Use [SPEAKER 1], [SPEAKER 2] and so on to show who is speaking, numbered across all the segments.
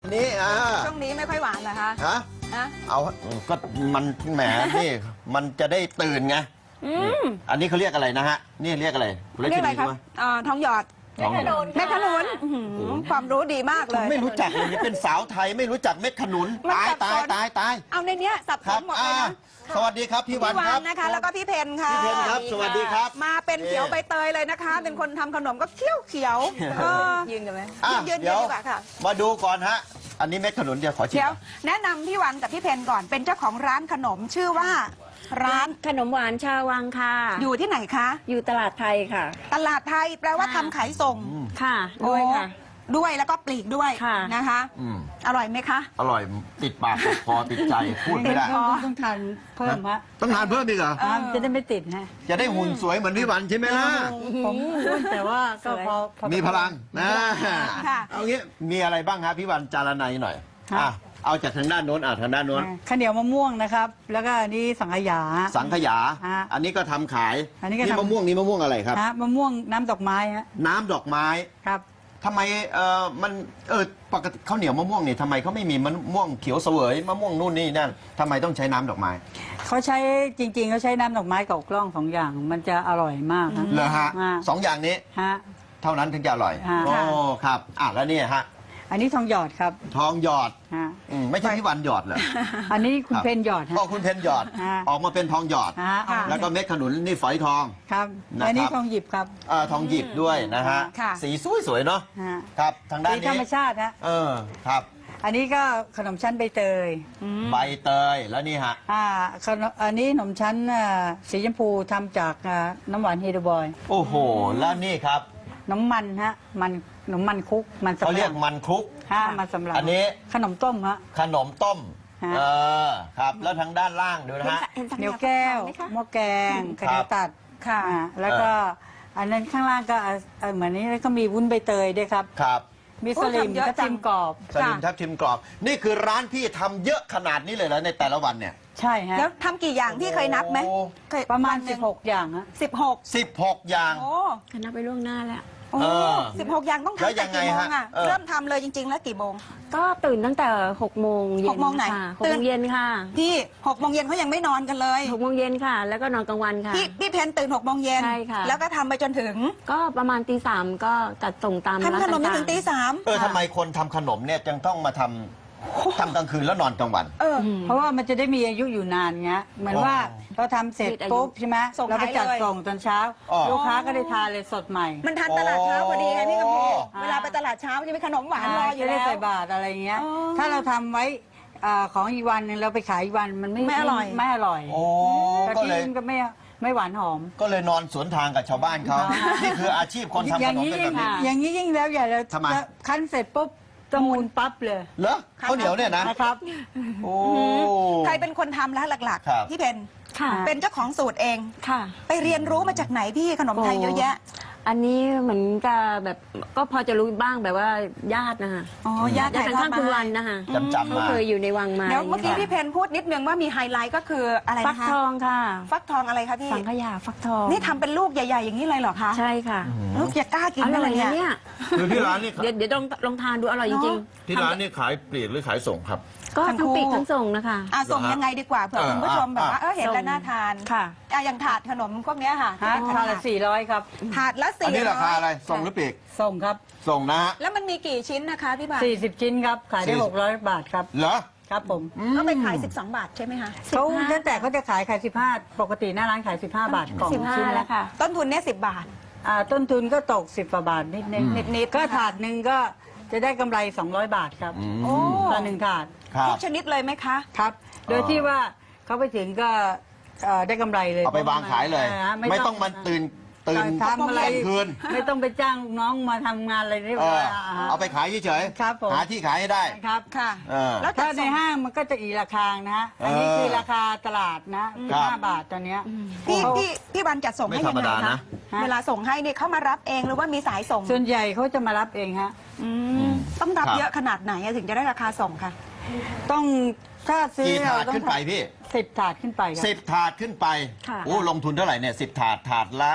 [SPEAKER 1] นี่
[SPEAKER 2] ช่วงนี้ไม่ค่อยหวานเหรอคะ
[SPEAKER 1] ฮะเอาก็มันแหมนี่มันจะได้ตื่นไงอันนี้เขาเรียกอะไรนะฮะนี่เรียกอะไร
[SPEAKER 2] เรียกอะไรครับทองหยอดแม่ขนุนความรู้ดีมากเลย
[SPEAKER 1] ไม่รู้จักเลยเป็นสาวไทยไม่รู้จักเม็ดขนุนตาย
[SPEAKER 2] เอาในเนี้ยสับสนหมดเลยนะ
[SPEAKER 1] สวัสดีครับพี่วันครับ
[SPEAKER 2] นะคะแล้วก็พี่เพนค่ะ
[SPEAKER 1] พี่เพนครับสวัสดีครับ
[SPEAKER 2] มาเป็นเขียวใบเตยเลยนะคะเป็นคนทำขนมก็เขียวยืนกันไหมยืนดีกว่าค่ะ
[SPEAKER 1] มาดูก่อนฮะอันนี้เม็ดขนุนเดี๋ยวขอชิม
[SPEAKER 2] แนะนำพี่วันกับพี่เพนก่อนเป็นเจ้าของร้านขนมชื่อว่าร้าน
[SPEAKER 3] ขนมหวานชาววังค่ะ
[SPEAKER 2] อยู่ที่ไหนคะ
[SPEAKER 3] อยู่ตลาดไทยค่ะ
[SPEAKER 2] ตลาดไทยแปลว่าทำขายส่ง
[SPEAKER 3] ค่ะด้วยค่ะ
[SPEAKER 2] ด้วยแล้วก็ปลีกด้วยนะคะอร่อยไหมคะ
[SPEAKER 1] อร่อยติดปากติดคอติดใจพูดไม่ได้
[SPEAKER 3] ต้องทานเพิ่มฮะ
[SPEAKER 1] ต้องทานเพิ่มอีกเหรอ
[SPEAKER 3] จะได้ไม่ติดฮะ
[SPEAKER 1] จะได้หุ่นสวยเหมือนพี่วันใช่ไหมล่ะ
[SPEAKER 3] ผมแต่ว่าก็พอ
[SPEAKER 1] มีพลังนะเอางี้มีอะไรบ้างครับพี่วันจารนัยหน่อยเอาจากทางด้านโน้นทางด้านโน้น
[SPEAKER 3] ข้าวเหนียวมะม่วงนะครับแล้วก็อันนี้สังขยา
[SPEAKER 1] อันนี้ก็ทำขาย
[SPEAKER 3] อันนี้
[SPEAKER 1] มะม่วงนี่มะม่วงอะไรครับ
[SPEAKER 3] มะม่วงน้ำดอกไม้ฮะ
[SPEAKER 1] น้ำดอกไม้
[SPEAKER 3] ครับ
[SPEAKER 1] ทำไมมันปกติข้าวเหนียวมะม่วงนี่ทำไมเขาไม่มีมะม่วงเขียวเสวยมะม่วงนู่นนี่นั่นทำไมต้องใช้น้ำดอกไม้
[SPEAKER 3] เขาใช้จริงๆเขาใช้น้ำดอกไม้กับกล้องสองอย่างมันจะอร่อยมาก
[SPEAKER 1] เหรอฮะสองอย่างนี้เท่านั้นถึงจะอร่อยโอ้ครับแล้วนี่ฮะ
[SPEAKER 3] อันนี้ทองหยอดครับ
[SPEAKER 1] ทองหยอดไม่ใช่พี่วันหยอดเหรอ
[SPEAKER 3] อันนี้คุณเพนหยอด
[SPEAKER 1] คุณเพนหยอดออกมาเป็นทองหยอดแล้วก็เม็ดขนุนนี่ฝอยทอง
[SPEAKER 3] ครับอันนี้ทองหยิบครับ
[SPEAKER 1] ทองหยิบด้วยนะฮะสีสวยๆเนาะครับทางด้านนี้
[SPEAKER 3] ธรรมชาติ
[SPEAKER 1] ครับ
[SPEAKER 3] อันนี้ก็ขนมชั้นใบเตย
[SPEAKER 1] แล้วนี่ฮะ
[SPEAKER 3] อันนี้ขนมชั้นสีชมพูทำจากน้ำหวานเฮดบอย
[SPEAKER 1] โอ้โหแล้วนี่ครับ
[SPEAKER 3] น้ำมันฮะมันขนมมันคุกมัน
[SPEAKER 1] เขาเรียกมันคุก
[SPEAKER 3] มันสำหรับ
[SPEAKER 1] อันนี้
[SPEAKER 3] ขนมต้มฮะ
[SPEAKER 1] ขนมต้มครับแล้วทางด้านล่างดูนะฮะ
[SPEAKER 3] เหนียวแก้วหม้อแกงกระเทียมตัดค่ะแล้วก็อันนั้นข้างล่างก็เหมือนนี้แล้วก็มีวุ้นใบเตยด้วยครับมีสลิมทับทิมกรอบ
[SPEAKER 1] นี่คือร้านพี่ทำเยอะขนาดนี้เลยเหรอในแต่ละวันเนี่ย
[SPEAKER 3] ใช่ฮะ
[SPEAKER 2] แล้วทำกี่อย่างพี่เคยนับไหม
[SPEAKER 3] ประมาณ16อย่างฮะ
[SPEAKER 1] 16อย่าง
[SPEAKER 3] นับไปล่วงหน้าแล้ว
[SPEAKER 2] 16 อย่างต้องทำแต่กี่โมงเริ่มทำเลยจริงๆแล้วกี่โมง
[SPEAKER 3] ก็ตื่นตั้งแต่6 โมงเย็น
[SPEAKER 2] 6 โมงไหน
[SPEAKER 3] 6 โมงเย็นค่ะ
[SPEAKER 2] พี่6 โมงเย็นเขายังไม่นอนกันเลย
[SPEAKER 3] 6 โมงเย็นค่ะแล้วก็นอนกลางวันค่ะ
[SPEAKER 2] พี่เพนตื่น6 โมงเย็น
[SPEAKER 3] ใช่ค่ะ
[SPEAKER 2] แล้วก็ทำไปจนถึง
[SPEAKER 3] ก็ประมาณตี 3ก็จัดส่งตามร้าน
[SPEAKER 2] ทำขนมถึงตี 3
[SPEAKER 1] ทำไมคนทำขนมเนี่ยจึงต้องมาทำกลางคืนแล้วนอนกลางวัน
[SPEAKER 3] เพราะว่ามันจะได้มีอายุอยู่นานเงี้ยเหมือนว่าเราทำเสร็จปุ๊บใช่ไหมเราไปจัดส่งตอนเช้าลูกค้าก็ได้ทานเลยสดใหม่
[SPEAKER 2] มันทานตลาดเช้าพอดีไงพี่กำพูเวลาไปตลาดเช้าจะมีขนมหวานรออยู่แล้ว
[SPEAKER 3] ได้ใส่บาตรอะไรเงี้ยถ้าเราทำไว้ของอีกวันนึงเราไปขายอีกวันมันไม่อร่อยก็เลยก็ไม่หวานหอม
[SPEAKER 1] ก็เลยนอนสวนทางกับชาวบ้านเขานี่คืออาชีพคนทำขนมเป็นแบบนี้
[SPEAKER 3] อย่างนี้ยิ่งแล้วอย่าเลยคั้นเสร็จปุ๊บตะมูลปั๊บเลย
[SPEAKER 1] เหรอข้าวเหนียวเนี่ย
[SPEAKER 3] นะครับ
[SPEAKER 1] โอ้
[SPEAKER 2] ใครเป็นคนทำแล้วหลักๆพี่เพนเป็นเจ้าของสูตรเองไปเรียนรู้มาจากไหนพี่ขนมไทยเยอะแยะ
[SPEAKER 3] อันนี้เหมือนกับแบบก็พอจะรู้บ้างแบบว่าญาตินะคะ
[SPEAKER 2] ญาติ
[SPEAKER 3] ข้างคุณวันนะคะเขาเคยอยู่ในวังมา
[SPEAKER 2] เดี๋ยวเมื่อกี้พี่เพนพูดนิดนึงว่ามีไฮไลท์ก็คืออะไรนะคะ
[SPEAKER 3] ฟักทองค่ะ
[SPEAKER 2] ฟักทองอะไรคะพี่
[SPEAKER 3] สังขยาฟักทอง
[SPEAKER 2] นี่ทำเป็นลูกใหญ่ๆอย่างนี้เลยเหรอคะ
[SPEAKER 3] ใช่ค่ะ
[SPEAKER 2] ลูกอย่ากล้ากินอะไรเนี่ย
[SPEAKER 1] คือที่ร้านนี่
[SPEAKER 3] เดี๋ยวลองทานดูอร่อยจริง
[SPEAKER 1] ๆที่ร้านนี่ขายปลีกหรือขายส่งครับ
[SPEAKER 3] ก็ทั้งปีกทั้งส่งนะคะ
[SPEAKER 2] ส่งยังไงดีกว่าเผื่อคุณผู้ชมแบบว่าเห็นแล้วน่าทาน
[SPEAKER 3] ค่ะ
[SPEAKER 2] อย่างถาดขนมพวกนี้ค่ะ
[SPEAKER 3] ถาดละ400ครับ
[SPEAKER 2] ถาดละ400
[SPEAKER 1] อันนี้ราคาอะไรส่งหรือปลีก
[SPEAKER 3] ส่งครับ
[SPEAKER 1] ส่งนะฮะ
[SPEAKER 2] แล้วมันมีกี่ชิ้นนะคะพี่บาท
[SPEAKER 3] 40 ชิ้นครับขายได้600 บาทครับ
[SPEAKER 1] เหรอ
[SPEAKER 3] ครับผม
[SPEAKER 2] ก็ไปขาย12 บาทใช่ไหมคะ
[SPEAKER 3] เขาตั้งแต่เขาจะขาย15ปกติหน้าร้านขาย15 บาทกล่องชิ้นแล้วค่ะ
[SPEAKER 2] ต้นทุนเนี่ย10 บาท
[SPEAKER 3] ต้นทุนก็ตก10 กว่าบาทนิดก็ถาดหนึ่งก็จะได้กำไร200 บาทครับต่อ1 ถาด
[SPEAKER 2] ทุกชนิดเลยไหมคะ
[SPEAKER 3] ครับโดยที่ว่าเขาไปถึงก็ได้กำไรเลย
[SPEAKER 1] เอาไปวางขายเลยไม่ต้องมาตื่น
[SPEAKER 3] ทำอะไร
[SPEAKER 1] คืน
[SPEAKER 3] ไม่ต้องไปจ้างน้องมาทำงานอะไรนี่
[SPEAKER 1] เอาไปขายเฉยๆหาที่ขายให้ได้
[SPEAKER 3] ครับ
[SPEAKER 2] ค่ะ
[SPEAKER 3] แล้วถ้าในห้างมันก็จะอีกราคานะฮะอันนี้คือราคาตลาดนะ5 บาทตอนนี้
[SPEAKER 2] พี่วันจัดส่งให้ยังไงคะเวลาส่งให้เนี่ยเขามารับเองหรือว่ามีสายส่ง
[SPEAKER 3] ส่วนใหญ่เขาจะมารับเองฮะ
[SPEAKER 2] ต้องรับเยอะขนาดไหนถึงจะได้ราคาส่งคะ
[SPEAKER 3] ต้องถ้าซื้อ
[SPEAKER 1] กี่ถาดขึ้นไปพี่
[SPEAKER 3] 10 ถาดขึ้นไปครับ
[SPEAKER 1] 10 ถาดขึ้นไป
[SPEAKER 4] ค่ะ
[SPEAKER 1] โอ้ลงทุนเท่าไหร่เนี่ย10 ถาดถาดละ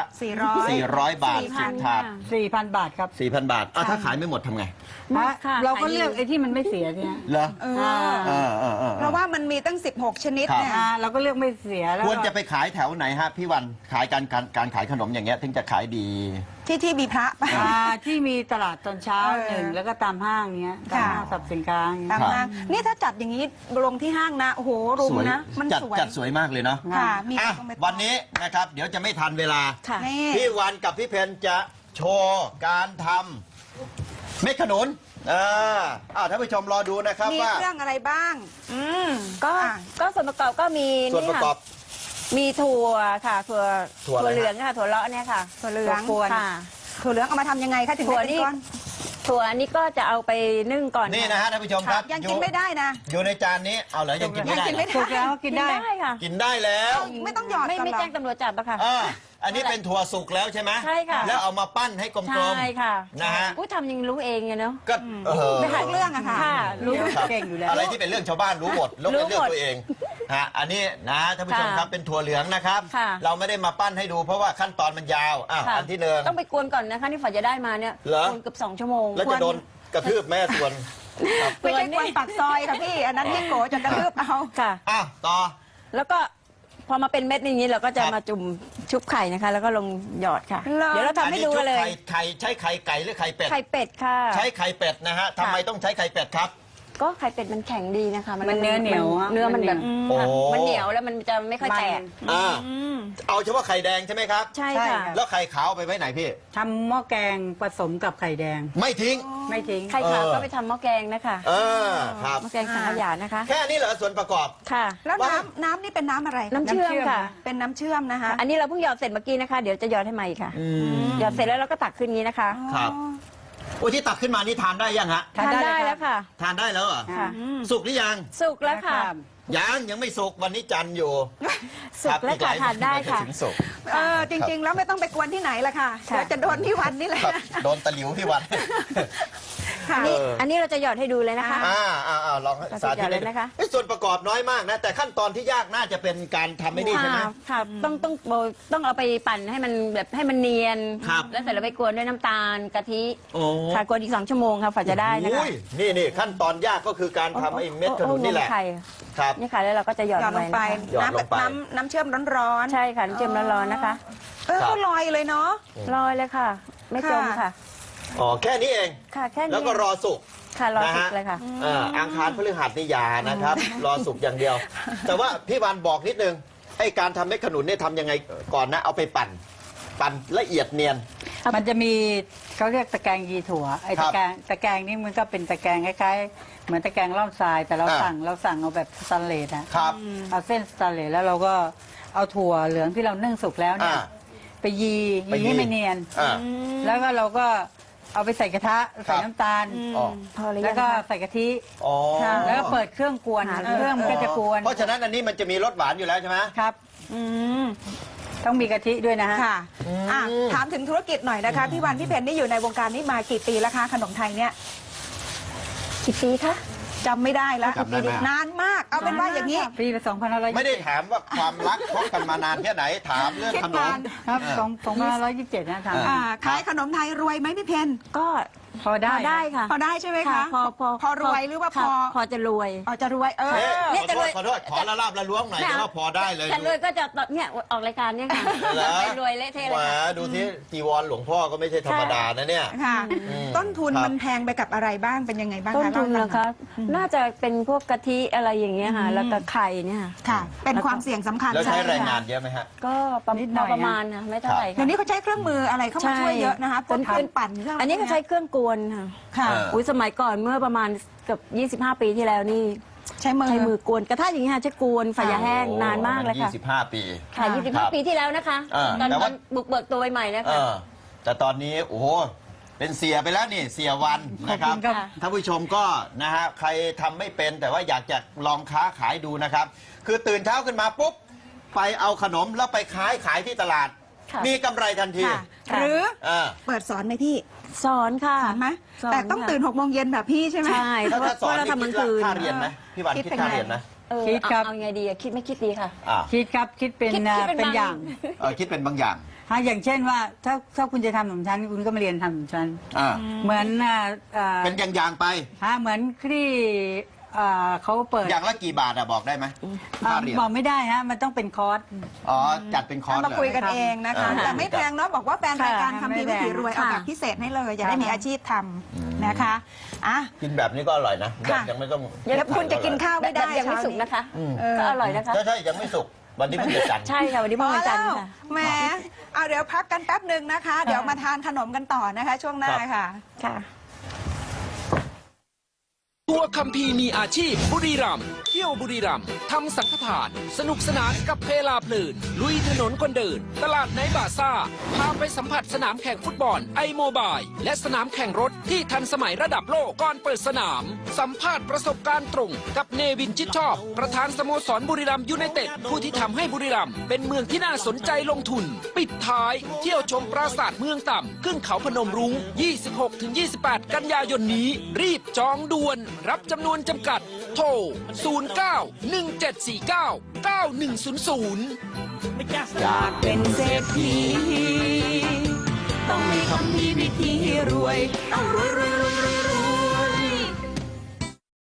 [SPEAKER 1] 400 บาท 10 ถาด
[SPEAKER 3] 4,000 บาทครับ
[SPEAKER 1] 4,000 บาทถ้าขายไม่หมดทำไง
[SPEAKER 4] หมดค่ะ
[SPEAKER 3] เราก็
[SPEAKER 4] ขายดี
[SPEAKER 3] เลือกไอ้ที่มันไม่เสียเนี่ย
[SPEAKER 1] เหรอ
[SPEAKER 2] เอ
[SPEAKER 3] อ่า
[SPEAKER 2] อเพราะว่ามันมีตั้ง 16 ชนิดเนี่ย
[SPEAKER 3] เราก็เลือกไม่เสียแล้ว
[SPEAKER 1] ควรจะไปขายแถวไหนฮะพี่วันขายการขายขนมอย่างเงี้ยถึงจะขายดี
[SPEAKER 2] ที่มีพระป่ะ
[SPEAKER 3] ที่มีตลาดตอนเช้า
[SPEAKER 2] เออ
[SPEAKER 3] หนึ่งแล้วก็ตามห้างเงี้ยตาม
[SPEAKER 2] ค่ะ
[SPEAKER 3] ห้างสรรพสินค้าเงี้ย
[SPEAKER 2] ตามห้างนี่ถ้าจัดอย่างนี้ลงที่ห้างนะโอ้โหรุมนะ มันสวย
[SPEAKER 1] จัดสวยมากเลยเนาะ
[SPEAKER 2] ค่ะมี
[SPEAKER 1] อ่ะ
[SPEAKER 2] ต้องไป
[SPEAKER 1] วันนี้นะครับเดี๋ยวจะไม่ทันเวลา
[SPEAKER 4] ค่ะ
[SPEAKER 2] นี่
[SPEAKER 1] พี่วันกับพี่เพนจะโชว์การทำเม็ดขนุนท่านผู้ชมรอดูนะครับ
[SPEAKER 2] มี
[SPEAKER 1] ว่า
[SPEAKER 2] เครื่องอะไรบ้าง
[SPEAKER 4] ก็
[SPEAKER 2] อ่ะ
[SPEAKER 4] ก็ส่วนประกอบก็มี
[SPEAKER 1] ส่วนประกอบ
[SPEAKER 4] มีถั่วค่ะถั่ว
[SPEAKER 1] ถั่วอะไร
[SPEAKER 4] เหลืองค่ะถั่วเลาะเนี่ยค่ะถั่วเหลือง
[SPEAKER 2] ถั่วกวน
[SPEAKER 4] ค่ะ
[SPEAKER 2] ถั่วเหลืองเอามาทำยังไงคะถึง
[SPEAKER 4] ถั่ว
[SPEAKER 2] ได้เป็น
[SPEAKER 4] นี่
[SPEAKER 2] ก้อน
[SPEAKER 4] ถั่วนี้ก็จะเอาไปนึ่งก่อน
[SPEAKER 1] นี่
[SPEAKER 4] ค่ะ
[SPEAKER 1] นะฮะท่านผู้ชมครับ
[SPEAKER 2] ยังกินไม่ได้นะ
[SPEAKER 1] อยู่ในจานนี้เอาเหรอยังกินไม่ได้
[SPEAKER 2] ยังกินไม่
[SPEAKER 1] เหรอ
[SPEAKER 3] ถูกแล้วกินได้
[SPEAKER 4] ค่ะ
[SPEAKER 1] กินได้แล้ว
[SPEAKER 2] ไม่ต้องหยอด
[SPEAKER 4] ไม่
[SPEAKER 2] ก่อน
[SPEAKER 4] ไม่
[SPEAKER 2] หรอ
[SPEAKER 4] แจ้งตำรวจจับอะค่ะ
[SPEAKER 1] อันนี้เป็นถั่วสุกแล้วใช่ไหม
[SPEAKER 4] ใช่ค่ะ
[SPEAKER 1] แล้วเอามาปั้นให้กลม
[SPEAKER 4] ใช่ค่ะ
[SPEAKER 1] ๆนะฮะ
[SPEAKER 4] อุ้ยทำยังรู้เองไงเนาะ
[SPEAKER 1] ก็
[SPEAKER 2] ไปหาเรื่องอะค่ะ
[SPEAKER 4] ค่ะ
[SPEAKER 3] รู้
[SPEAKER 1] ครับ
[SPEAKER 3] เก่งอยู่แล้ว
[SPEAKER 1] อะไรที่เป็นเรื่องชาวบ้านรู้หมดแล้วเป็นเรื่อง
[SPEAKER 4] รู้หมด
[SPEAKER 1] ตัวเองอันนี้นะท่านผู้ชม
[SPEAKER 4] ค่ะ
[SPEAKER 1] ครับเป็นถั่วเหลืองนะครับ
[SPEAKER 4] ค่ะ
[SPEAKER 1] เราไม่ได้มาปั้นให้ดูเพราะว่าขั้นตอนมันยาว
[SPEAKER 4] ค่ะ
[SPEAKER 1] อันที่หนึ่ง
[SPEAKER 4] ต้องไปกวนก่อนนะคะที่ฝอจะได้มาเนี่ย
[SPEAKER 1] เหรอ
[SPEAKER 4] กวนเกือบ2 ชั่วโมง
[SPEAKER 1] แล้วจะโดนกระทืบแม่ส่วนครับ
[SPEAKER 2] ไม่ใช่กวนปากซอยค่ะพี่ อันนั้นพี่โกจะกระทืบเอา
[SPEAKER 4] ค่ะ
[SPEAKER 1] ต่อ
[SPEAKER 4] แล้วก็พอมาเป็นเม็ดอย่างนี้เราก็จะ
[SPEAKER 1] ครับ
[SPEAKER 4] มาจุ่มชุบไข่นะคะ แล้วก็ลงหยอดค่ะ เดี๋ยวเราทำให้ดูกันเลย
[SPEAKER 1] อันนี้ชุบไข่ใช้ไข่ไก่หรือไข่เป็ด
[SPEAKER 4] ไข่เป็ดค่ะ
[SPEAKER 1] ใช้ไข่เป็ดนะฮะทำไมต้องใช้ไข่เป็ดครับ
[SPEAKER 4] ก็ไข่เป็ดมันแข็งดีนะคะ
[SPEAKER 3] มันเนื้อเหนียวอะ
[SPEAKER 4] เนื้อมันแบบ
[SPEAKER 1] โอ้
[SPEAKER 4] ค่ะมันเหนียวแล้วมันจะไม่ค่อยแตก
[SPEAKER 1] เอาเฉพาะไข่แดงใช่ไหมครับ
[SPEAKER 4] ใช่
[SPEAKER 3] ใช่
[SPEAKER 4] ค่ะ
[SPEAKER 3] ค่ะ
[SPEAKER 1] แล้วไข่ขาวเอาไปไว้ไหนพี่
[SPEAKER 3] ทำหม้อแกงผสมกับไข่แดง
[SPEAKER 1] ไม่ทิ้ง
[SPEAKER 3] ไม่ทิ้ง
[SPEAKER 4] ไข่ขาวก็ไปทำหม้อแกงนะคะ
[SPEAKER 1] ครับ
[SPEAKER 4] หม้อแกงสังขยานะคะ
[SPEAKER 1] แค่นี้เหรอส่วนประกอบ
[SPEAKER 4] ค่ะ
[SPEAKER 2] แล้ว
[SPEAKER 1] ว่า
[SPEAKER 2] น้ำนี่เป็นน้ำอะไร
[SPEAKER 4] น้ำเชื่อมค่ะ
[SPEAKER 2] เป็นน้ำเชื่อมนะคะ
[SPEAKER 4] อันนี้เราเพิ่งหยอดเสร็จเมื่อกี้นะคะ เดี๋ยวจะหยอดให้ใหม่ค่ะหยอดเสร็จแล้วเราก็ตักขึ้นอย่างนี้นะคะ
[SPEAKER 1] ครับ โอ้ที่ตักขึ้นมานี่ทานได้ยังฮะ
[SPEAKER 3] ทานได้เลย
[SPEAKER 4] แล้วค่ะ
[SPEAKER 1] ทานได้แล้วเหรอ
[SPEAKER 4] ค่ะ
[SPEAKER 1] สุกหรือยัง
[SPEAKER 4] สุกแล้วค่ะ
[SPEAKER 1] ยังไม่สุกวันนี้จันทร์อยู่
[SPEAKER 4] สุกแล้วค่ะทานได้ค่ะ
[SPEAKER 1] ถึงสุก
[SPEAKER 2] จริงๆ แล้วไม่ต้องไปกวนที่ไหนละค่ะ
[SPEAKER 4] ค่ะ
[SPEAKER 2] เดี๋ยวจะโดนที่วันนี่แหละ
[SPEAKER 1] ครับโดนตะหลิวพี่วัน
[SPEAKER 2] ค่ะ
[SPEAKER 4] อันนี้เราจะหยอดให้ดูเลยนะคะ
[SPEAKER 1] ลองสาธิต
[SPEAKER 4] เลยนะคะ
[SPEAKER 1] ส่วนประกอบน้อยมากนะ แต่ขั้นตอนที่ยากน่าจะเป็นการทำไม่นี่ใช่ไหม
[SPEAKER 4] ค่ะต้องเอาไปปั่นให้มันแบบให้มันเนียน
[SPEAKER 1] ครับ
[SPEAKER 4] แล้วเสร็จแล้วไปกวนด้วยน้ำตาลกะทิ
[SPEAKER 1] โอ้
[SPEAKER 4] ค่ะกวนอีก2 ชั่วโมงค่ะฝาจะได้นะคะ
[SPEAKER 1] อุ้ยนี่ขั้นตอนยากก็คือการทำไอ้เม็ดขนุนนี่แหละ
[SPEAKER 4] ไข่
[SPEAKER 1] ครับ
[SPEAKER 4] นี่ค่ะแล้วเราก็จะหยอด
[SPEAKER 2] หยอดลงไป
[SPEAKER 1] หยอดลงไป
[SPEAKER 2] น้ำเชื่อมร้อน
[SPEAKER 4] ใช่ค่ะน้ำเชื่อมร้อนๆนะคะ
[SPEAKER 2] ก็ลอยเลยเนาะ
[SPEAKER 4] ลอยเลยค่ะ ไม่จมค่ะ
[SPEAKER 1] แค่นี้เอง
[SPEAKER 4] ค่ะแค่นี้
[SPEAKER 1] แล้วก็รอสุก
[SPEAKER 4] ค่ะรอสุก
[SPEAKER 1] นะฮะ
[SPEAKER 4] เลยค่ะ
[SPEAKER 1] อังคารพฤหัสนี่อยานะครับ รอสุกอย่างเดียว แต่ว่าพี่วันบอกนิดนึงไอ้การทำเม็ดขนุนเนี่ยทำยังไงก่อนนะเอาไปปั่นละเอียดเนียน
[SPEAKER 3] มันจะมีเขาเรียกตะแกรงยีถั่วไอ้
[SPEAKER 1] ครั
[SPEAKER 3] ตะ
[SPEAKER 1] บ
[SPEAKER 3] แกรงนี่มันก็เป็นตะแกรงคล้ายๆเหมือนตะแกรงร่อนทรายแต่เรา
[SPEAKER 1] อ่า
[SPEAKER 3] สั่งเอาแบบสแตนเลสนะครับ เอาเส้นสแตนเลสแล้วเราก็เอาถั่วเหลืองที่เรานึ่งสุกแล้วเนี่ย
[SPEAKER 1] อ่า
[SPEAKER 3] ไปยีให้มันเนียน
[SPEAKER 1] อ่า
[SPEAKER 3] แล้วก็เราก็เอาไปใส่กระทะใส่น้ำตาล
[SPEAKER 1] อ๋อ
[SPEAKER 4] พอหรือ
[SPEAKER 3] แล้
[SPEAKER 4] ยั
[SPEAKER 3] ว
[SPEAKER 4] ง
[SPEAKER 3] ก็
[SPEAKER 4] คะ
[SPEAKER 3] ใส่กะทิ
[SPEAKER 1] อ๋อ
[SPEAKER 3] แล้วก็เปิดเครื่องกวน เครื่องมันก็จะกวน
[SPEAKER 1] เพราะฉะนั้นอันนี้มันจะมีรสหวานอยู่แล้วใช่ไหม
[SPEAKER 3] ครับ
[SPEAKER 2] อืม
[SPEAKER 3] ต้องมีกะทิด้วยนะฮะ
[SPEAKER 2] ค่ะถามถึงธุรกิจหน่อยนะคะ พี่วันพี่เพนนี่อยู่ในวงการนี้มากี่ปีแล้วคะขนมไทยเนี่ย
[SPEAKER 4] กี่ปีคะ
[SPEAKER 2] จำไม่ได้แล้ว
[SPEAKER 1] จำได้ไหม
[SPEAKER 2] นานมาก เอาเป็นว่าอย่างนี้
[SPEAKER 3] ปีละ2,520
[SPEAKER 1] ไม่ได้ถามว่าความรักคบกันมานานแค่ไหนถามเรื่องขนม
[SPEAKER 3] ครับ2,527นะทำ
[SPEAKER 2] ขายขนมไทยรวยไหมพี่เพน
[SPEAKER 4] ก็
[SPEAKER 3] พอได้
[SPEAKER 4] ได้ค่ะ
[SPEAKER 2] พอได้ใช่ไหมคะ พอรวยหรือว่าพอ
[SPEAKER 4] พอจะรวย
[SPEAKER 2] จะรวย
[SPEAKER 4] เนี่ย
[SPEAKER 1] ขอ
[SPEAKER 4] จะ
[SPEAKER 1] โท
[SPEAKER 4] ร
[SPEAKER 1] ษ
[SPEAKER 4] วย
[SPEAKER 1] ขอโทษขอละลาบละล้วงหน่อยแต่ว่าพอได้เลย
[SPEAKER 4] จะรวยก็จะเนี่ยออกรายการเนี่ยค่ะ
[SPEAKER 1] เหรอ
[SPEAKER 4] รวยเละเทะเลย
[SPEAKER 1] แหม
[SPEAKER 4] ค่ะ
[SPEAKER 1] ดูที่จีวรหลวงพ่อก็ไม่ใช่ธรรมดานะเนี่ย
[SPEAKER 2] ค่ะ ต้นทุน
[SPEAKER 1] ครับ
[SPEAKER 2] มันแพงไปกับอะไรบ้างเป็นยังไงบ้าง
[SPEAKER 4] ต้น
[SPEAKER 2] คะ
[SPEAKER 4] ทุน
[SPEAKER 2] เล่าให้
[SPEAKER 4] นะ
[SPEAKER 2] ฟั
[SPEAKER 4] คะ
[SPEAKER 2] ง
[SPEAKER 4] น่าจะเป็นพวกกะทิอะไรอย่างเงี้ยค่ะ แล้วก็ไข่เนี่ยค่ะ
[SPEAKER 2] ค่ะ เป็นความเสี่ยงสำคัญ
[SPEAKER 1] แล้วใช้
[SPEAKER 2] ช่
[SPEAKER 1] แรงงาน
[SPEAKER 2] ค่ะ
[SPEAKER 1] เยอะไหมฮะ
[SPEAKER 4] ก็ประมาณนะไม่เท่าไหร่
[SPEAKER 2] เดี๋ยวนี้เขาใช้เครื่องมืออะไรเข้ามาช่วยเยอะนะคะพวกเครื่องปั่นเครื่อง
[SPEAKER 4] อันนี้ก็ใช้เครื่องกวนค่ะ
[SPEAKER 2] ค่ะ
[SPEAKER 1] เออ
[SPEAKER 4] สมัยก่อนเมื่อประมาณเกือบ25 ปีที่แล้วนี่
[SPEAKER 2] ใช้มือ
[SPEAKER 4] ใช้มือกวนกระทะอย่างนี้ค่ะใช้กวนฝายาแห้งนานมากเลยค่ะ
[SPEAKER 1] 25 ปี
[SPEAKER 4] ค่ะ
[SPEAKER 1] ครับ
[SPEAKER 4] 25 ปีที่แล้วนะคะ ตอน
[SPEAKER 1] แต่ว่า
[SPEAKER 4] บุกเบิกตัวใหม่ๆนะคะ
[SPEAKER 1] แต่ตอนนี้โอ้โหเป็นเสียไปแล้วนี่เสียวันนะครับ
[SPEAKER 3] ขอบคุณครับ
[SPEAKER 1] ท่านผู้ชมก็นะฮะใครทำไม่เป็นแต่ว่าอยากจะลองค้าขายดูนะครับ คือตื่นเช้าขึ้นมาปุ๊บไปเอาขนมแล้วไปขายที่ตลาด
[SPEAKER 4] ค่ะ
[SPEAKER 1] มีกำไรทันที
[SPEAKER 2] ค่ะ หรือ
[SPEAKER 1] อ่า
[SPEAKER 2] เปิดสอนไหมพี่
[SPEAKER 4] สอนค่ะ
[SPEAKER 2] สอนไหม
[SPEAKER 4] สอน
[SPEAKER 2] แต่ต้อง
[SPEAKER 4] ค่ะ
[SPEAKER 2] ตื่น6 โมงเย็นแบบพี่ใช่ไหม
[SPEAKER 4] ใช่เพราะว่า
[SPEAKER 1] ถ้าสอน
[SPEAKER 4] เรา
[SPEAKER 1] นี่
[SPEAKER 4] ทำกลาง
[SPEAKER 1] คิด
[SPEAKER 4] คืน
[SPEAKER 1] ค่าเรียนไหมพี่วันคิดค่าเรียนไหม
[SPEAKER 3] คิดครับ
[SPEAKER 4] เอาไงดีอะคิดไม่คิดดีค่ะ
[SPEAKER 3] คิดครับคิดเป็น
[SPEAKER 4] คิดเป็น
[SPEAKER 3] เป็น
[SPEAKER 4] บาง
[SPEAKER 3] อย่าง
[SPEAKER 1] คิดเป็นบางอย่าง
[SPEAKER 3] อย่างเช่นว่าถ้าคุณจะทำขนมชั้นคุณก็มาเรียนทำขนมชั้น
[SPEAKER 1] อ่า
[SPEAKER 3] เหมือน
[SPEAKER 1] เป็นอย่างๆไป
[SPEAKER 3] เหมือนที่เขาเปิด
[SPEAKER 1] อย่างละกี่บาทอะบอกได้ไหมค่าเรียน
[SPEAKER 3] บอกไม่ได้ฮะมันต้องเป็นคอร์ส
[SPEAKER 1] อ๋อจัดเป็นคอร์ส
[SPEAKER 2] มาคุยกัน
[SPEAKER 1] เลย
[SPEAKER 2] เองนะคะ
[SPEAKER 1] เออ
[SPEAKER 2] แต่ไม่แพงเนาะบอกว่าแฟนรายการ
[SPEAKER 3] ค่ะ
[SPEAKER 2] ทำดี
[SPEAKER 3] ไม่
[SPEAKER 2] วิ
[SPEAKER 3] แพง
[SPEAKER 2] ถีรวยเอาแบบพิเศษให้เลยอย่าได้มีอาชีพทำนะคะอ่ะ
[SPEAKER 1] กินแบบนี้ก็อร่อยนะแบบ
[SPEAKER 2] ค่ะ
[SPEAKER 1] ยังไม่ต้อง
[SPEAKER 2] แล้วคุณจะกินข้าวไม่ได้
[SPEAKER 4] ยังไม่สุกนะคะ
[SPEAKER 2] เออ
[SPEAKER 4] ก็อร่อยนะคะ
[SPEAKER 1] ใช่ยังไม่สุกวันนี้เพิ่งจะจันทร์
[SPEAKER 4] ใช่ค่ะวันนี้
[SPEAKER 2] พ
[SPEAKER 4] เมื่
[SPEAKER 2] อ
[SPEAKER 4] อวัน
[SPEAKER 2] แล้
[SPEAKER 4] จันทร์
[SPEAKER 2] ว
[SPEAKER 4] ค่ะ
[SPEAKER 2] แหมเอาเดี๋ยวพักกันแป๊บหนึ่งนะคะ เดี๋ยวมาทานขนมกันต่อนะคะ ช่วงหน้าค่ะ
[SPEAKER 4] ค่ะ
[SPEAKER 5] ตัวคัมภีร์มีอาชีพบุรีรัมย์เที่ยวบุรีรัมย์ทำสังฆทาน สนุกสนานกับเพลาเพลิน ลุยถนนคนเดิน ตลาดไนท์บาซ่า พาไปสัมผัสสนามแข่งฟุตบอลไอโมบายและสนามแข่งรถที่ทันสมัยระดับโลกก่อนเปิดสนาม สัมภาษณ์ประสบการณ์ตรงกับเนวินชิดชอบ ประธานสโมสรบุรีรัมย์ยูไนเต็ดผู้ที่ทำให้บุรีรัมย์เป็นเมืองที่น่าสนใจลงทุน ปิดท้าย เที่ยวชมปราสาทเมืองต่ำขึ้นเขาพนมรุ้ง 26-28 กันยายนนี้ รีบจองด่วน รับจำนวนจำกัด โทร 09-1749-9100
[SPEAKER 6] อยากเป็นเศรษฐีต้องมีคำพีวิธีรวยต้องรวย